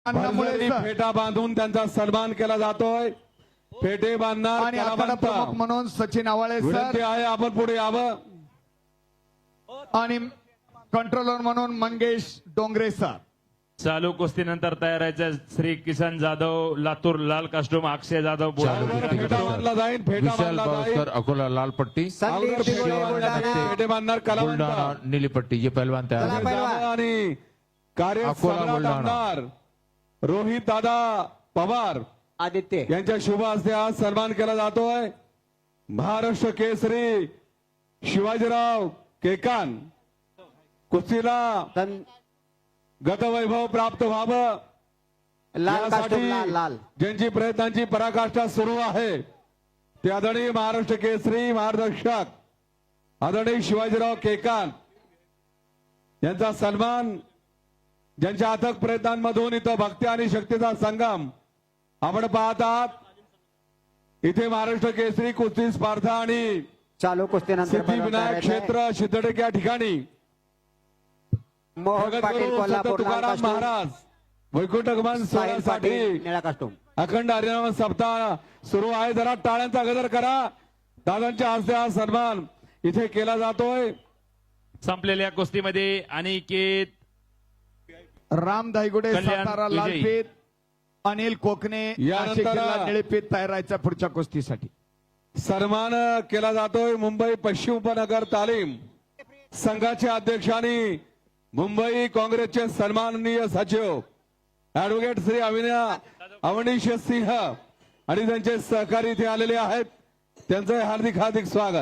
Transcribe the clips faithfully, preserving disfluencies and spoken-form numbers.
अन्नामुळे भरजरी sir. फेटा बांधून त्यांचा सन्मान केला जातोय. फेटे बांधणार आणि आखाडा कलावंत. प्रमुख म्हणून सचिन आवाळे विनंती सर आहे आपण पुढे यावं. आणि कंट्रोलर म्हणून मंगेश डोंगरे सर. चालू कुस्तीनंतर तयार आहे श्री किसन जाधव लातूर लाल कास्टूम, अक्षय जाधव चालू बुलढाणा. कुस्ती फेटा बांधला जाईल. फेटा विशाल बांधला बावस्कर जाईल. अकोला लाल पट्टी, संदीप अवघड दिगोळे शिवाय बुलढाणा. फेटे बांधणार कलावंत. बुलढाणा नीली पट्टी. ये पहलवान तयार चला आहे. पहिलवान. आणि कार्य अकोला, सम्राट बुलढाणा. आमदार रोहित दादा पवार आदित्य यांच्या शुभ हस्ते आज सन्मान केला जातोय. महाराष्ट्र केसरी शिवाजीराव केकान कुस्तीला सन- गतवैभव प्राप्त व्हावं लाल यासाठी कास्टूम लाल लाल ज्यांची प्रयत्नांची पराकाष्ठा सुरू आहे ते आदरणीय महाराष्ट्र केसरी मार्गदर्शक आदरणीय शिवाजीराव केकान यांचा सन्मान, ज्यांच्या अथक प्रयत्नांमधून इथं भक्ती आणि शक्तीचा संगम आपण पाहत आहात. इथे महाराष्ट्र केसरी कुस्ती स्पर्धा आणि चालू कुस्तीनंतर सिद्धिविनायक क्षेत्र सिद्धटेक या ठिकाणी मोहन पाटील जगद्गुरू संत कोल्हापूर लाल तुकाराम कास्टूम, महाराज वैकुंठगमन साहिल पाटील सोहळ्यासाठी निळा कास्टूम. अखंड हरिनाम सप्ताह सुरू आहे. जरा टाळ्यांचा गजर करा. दादांच्या हस्ते हा सन्मान इथे केला जातोय. संपलेल्या कुस्तीमध्ये अनिकेत राम धायगुडे कल्याण सातारा विजयी. लालपीत, अनिल कोकणे यानंतर- नाशिक जिल्हा निळपीत तयार राहायचा पुढच्या कुस्तीसाठी. सन्मान केला जातोय मुंबई पश्चिम उपनगर तालीम संघाचे अध्यक्ष आणि मुंबई काँग्रेसचे सन्माननीय सचिव ऍडव्होकेट श्री अविना अवनीश सिंह आणि त्यांचे सहकारी इथे आलेले आहेत. त्यांचं हार्दिक हार्दिक स्वागत.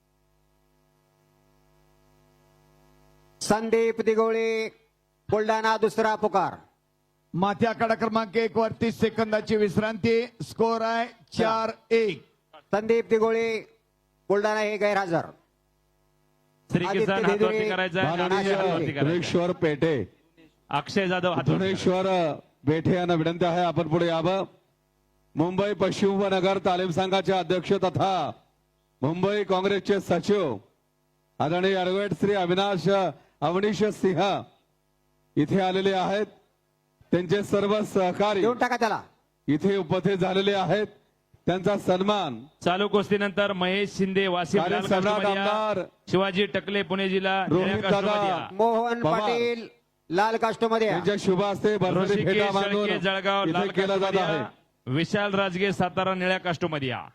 संदीप दिगोळे बुलढाणा दुसरा पुकार. माथी आखाडा क्रमांक एक वर तीस सेकंदाची विश्रांती. स्कोर आहे चार एक. संदीप दिगोळे बुलढाणा हे गैरहजर. श्री आदित्य किसन धेदुरे, हातवरती करायचा आहे, माननीय अक्षय हातवरती करायचा आहे. धुरेश्वर पेठे अक्षय जाधव हातवरती धुरेश्वर बेठे यांना विनंती आहे आपण पुढे यावं. मुंबई पश्चिम उपनगर तालीम संघाचे अध्यक्ष तथा मुंबई काँग्रेसचे सचिव आदरणीय ऍडव्होकेट श्री अविनाश अवनीश सिंह इथे आलेले आहेत. त्यांचे सर्व सहकारी देऊन टाका त्याला. इथे उपस्थित झालेले आहेत. त्यांचा सन्मान चालू कुस्तीनंतर महेश शिंदे वाशिम कार्य लाल सम्राट कास्टूममध्ये आमदार या. शिवाजी टकले पुणे जिल्हा रोहित निळ्या कास्टूममध्ये दादा या. मोहन पवार. पाटील लाल कास्टूम मध्ये या. त्यांच्या शुभ हस्ते भरभरी ऋषिकेश फेटा बांधून शेळके जळगाव लाल इथे केला जात कास्टूममध्ये आहे. या. विशाल राजगे सातारा निळ्या कास्टूममध्ये या.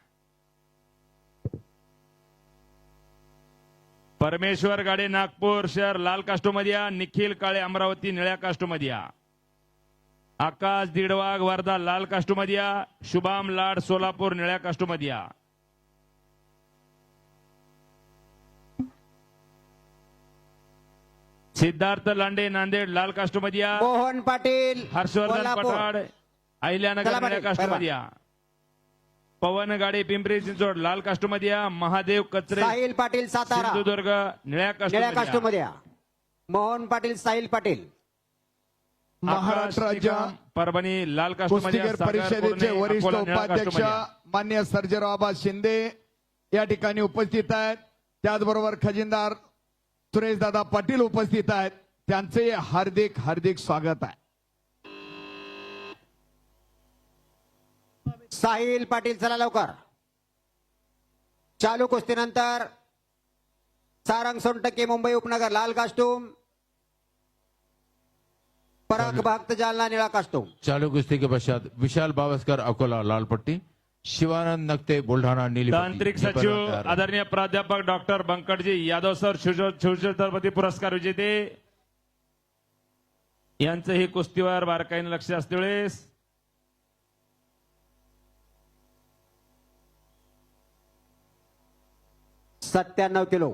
परमेश्वर गाडे नागपूर शहर लाल कास्टूममध्ये या. निखिल काळे अमरावती निळ्या कास्टूममध्ये या. आकाश दिडवाग वर्धा लाल कास्टूममध्ये या. शुभाम लाड सोलापूर निळ्या कास्टूममध्ये या. सिद्धार्थ लांडे नांदेड लाल कास्टूममध्ये या. मोहन पाटील हर्षवर्धन कोल्हापूर. पठाड अहिल्यानगर चला निळ्या पाटील, कास्टूममध्ये या. पवन गाडे पिंपरी चिंचवड लाल कास्टूममध्ये या. महादेव कचरे साहिल पाटील सातारा सिंधुदुर्ग निळ्या निळ्या कास्टूममध्ये कास्टूम या. मध्ये या. मोहन पाटील साहिल पाटील महाराष्ट्र आकाश राज्य निकम, परभणी लाल कास्टूममध्ये या. कुस्तीगीर सागर परिषदेचे पुरणे, वरिष्ठ अकोला निळ्या उपाध्यक्ष कास्टूममध्ये या. मान्य सर्जेराव आबा शिंदे या ठिकाणी उपस्थित आहेत. त्याचबरोबर खजिनदार सुरेशदादा पाटील उपस्थित आहेत. त्यांचे हार्दिक हार्दिक स्वागत आहे. साहिल पाटील चला लवकर. चालू कुस्तीनंतर सारंग सोनटक्के मुंबई उपनगर लाल कास्टूम, पराग भक्त जालना निळा कास्टूम. चालू कुस्ती के पश्चात विशाल बावस्कर अकोला लाल पट्टी, शिवानंद नक्ते बुलढाणा नीली पट्टी. तांत्रिक ये पहलवान सचिव तयार आहे. आदरणीय प्राध्यापक डॉक्टर बंकटजी यादव सर शिवछत्रपती पुरस्कार विजेते यांचं हे कुस्तीवर बारकाईने लक्ष असते वेळेस सत्त्याण्णव किलो.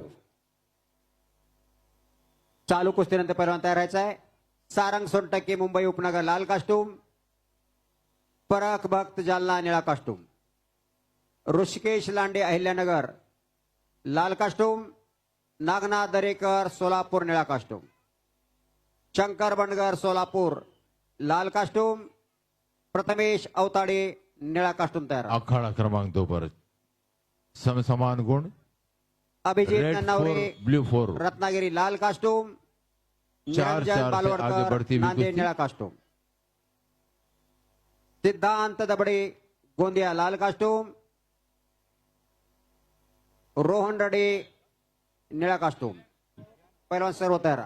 चालू कुस्तीनंतर पहिलवान तयार राहायचा आहे. सारंग सोनटक्के मुंबई उपनगर लाल कास्टूम, पराग भक्त जालना निळा कास्टूम. ऋषिकेश लांडे अहिल्यानगर लाल कास्टूम, नागनाथ दरेकर सोलापूर निळा कास्टूम. शंकर बनगर सोलापूर लाल कास्टूम, प्रथमेश अवताडे निळा कास्टूम तयार. अखाड़ा क्रमांक दो पर सम समान गुण. Abhijit red Nannaware four blue four. Ratnagiri लाल कास्टूम, चार निरंजन चार से आगे बालवडकर बढ़ती हुई नांदेड कुश्ती. निळा कास्टूम. सिद्धांत दबडे गोंदिया लाल कास्टूम, रोहन रडे निळा कास्टूम. पहिलवान सर्व तयार.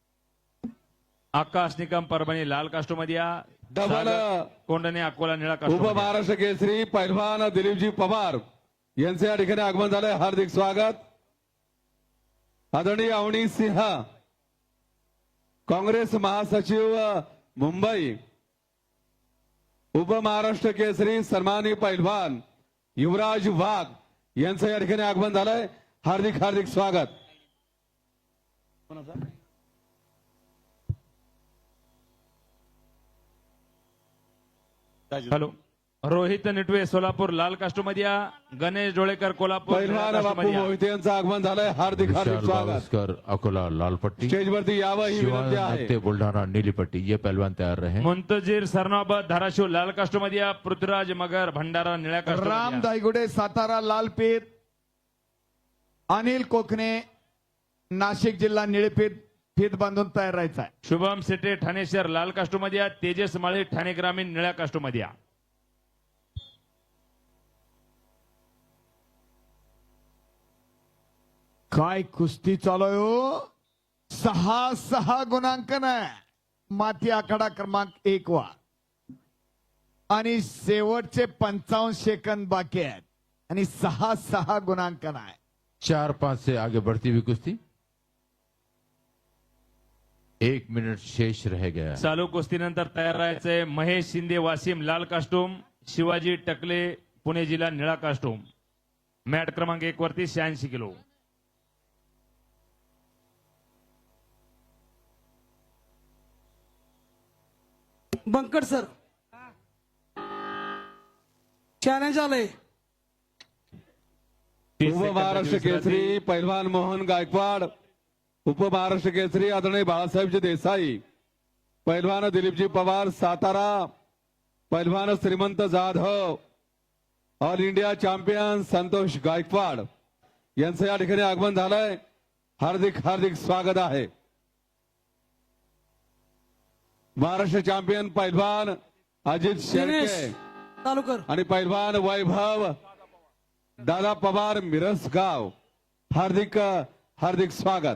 आकाश निकम परभणी लाल कास्टोमध्ये या. डबल. सागर कोंडणे अकोला निळा उप कास्टोमध्ये या. महाराष्ट्र केसरी पैलवान दिलीपजी पवार यांचे या ठिकाणी आगमन झालंय. हार्दिक स्वागत. आदरणीय अवनी सिंह काँग्रेस महासचिव मुंबई, उप महाराष्ट्र केसरी सन्मानी पैलवान युवराज वाघ यांचं या ठिकाणी आगमन झालंय. हार्दिक हार्दिक स्वागत. हॅलो. रोहित निटवे सोलापूर लाल कास्टोमध्ये या. गणेश डोळेकर कोल्हापूर निळ्या पैलवान बापू कास्टोमध्ये या. मोहिते यांचं आगमन झालंय. हार्दिक हार्दिक विशाल स्वागत. बावस्कर अकोला लाल पट्टी, स्टेजवरती यावं ही विनंती शिवानंद आहे. नक्ते बुलढाणा नीली पट्टी. ये पहलवान तैयार रहे. मुंतजीर सरनाबत धाराशिव लाल कास्टोमध्ये या. पृथ्वीराज मगर भंडारा निळ्या राम कास्टोमध्ये या. दायगुडे सातारा लालपीत, अनिल कोकणे नाशिक जिल्हा निळेपीत फीत बांधून तयार राहायचा आहे. शुभम सेटे ठाणे शहर लाल कास्टोमध्ये या. तेजस माळी ठाणे ग्रामीण निळ्या कास्टोमध्ये या. काय कुस्ती चालू आहे हो. सहा सहा गुणांकन आहे. माती आखाडा क्रमांक एक वा आणि शेवटचे पंचावन्न सेकंद बाकी आहेत आणि सहा सहा गुणांकन आहे. चार पांच से आगे बढ़ती हुई कुश्ती. एक मिनट शेष रह गया. चालू कुस्तीनंतर तयार राहायचंय. महेश शिंदे वासिम लाल कास्टूम, शिवाजी टकले पुणे जिल्हा निळा कास्टूम. मॅट क्रमांक एक वरती शहाऐंशी किलो. बंकट सर चॅलेंज आलंय. तीस उप सेकंदाची महाराष्ट्र विश्रांती. केसरी पैलवान मोहन गायकवाड, उप महाराष्ट्र केसरी आदरणीय बाळासाहेबजी देसाई, पैलवान दिलीपजी पवार सातारा, पैलवान Shrimant Jadhav, all India champion Santosh Gaikwad यांचं या ठिकाणी आगमन झालंय. हार्दिक हार्दिक स्वागत आहे. महाराष्ट्र चॅम्पियन पैलवान अजित दिनेश शेळके चालू कर. आणि पैलवान वैभव दादा पवार मिरसगाव, हार्दिक हार्दिक स्वागत.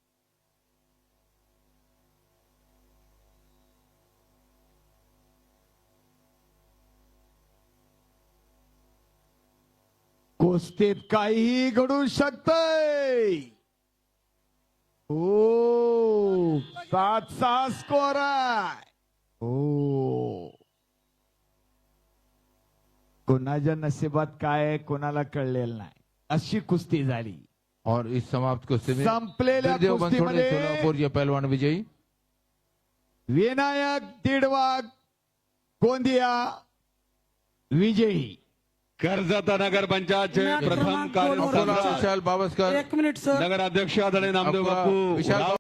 कुस्तीत काहीही घडू शकतंय. हो सात सहा स्कोर आहे. हो कोणाच्या नशिबात काय आहे कोणाला कळलेलं नाही अशी कुस्ती झाली. और इस समाप्त कुश्ती में संपलेल्या दुर्देव बनसोडे कुस्तीमध्ये सोलापुर ये पहलवान विजयी. विनायक दीडवाग गोंदिया विजयी. कर्जत नगर पंचायतचे मॅट प्रथम क्रमांक दोन वर अकोला कार्यसम्राट विशाल बावस्कर, एक मिनिट सर. नगर अध्यक्ष आदरणीय नामदेव अकोला बापू विशाल राव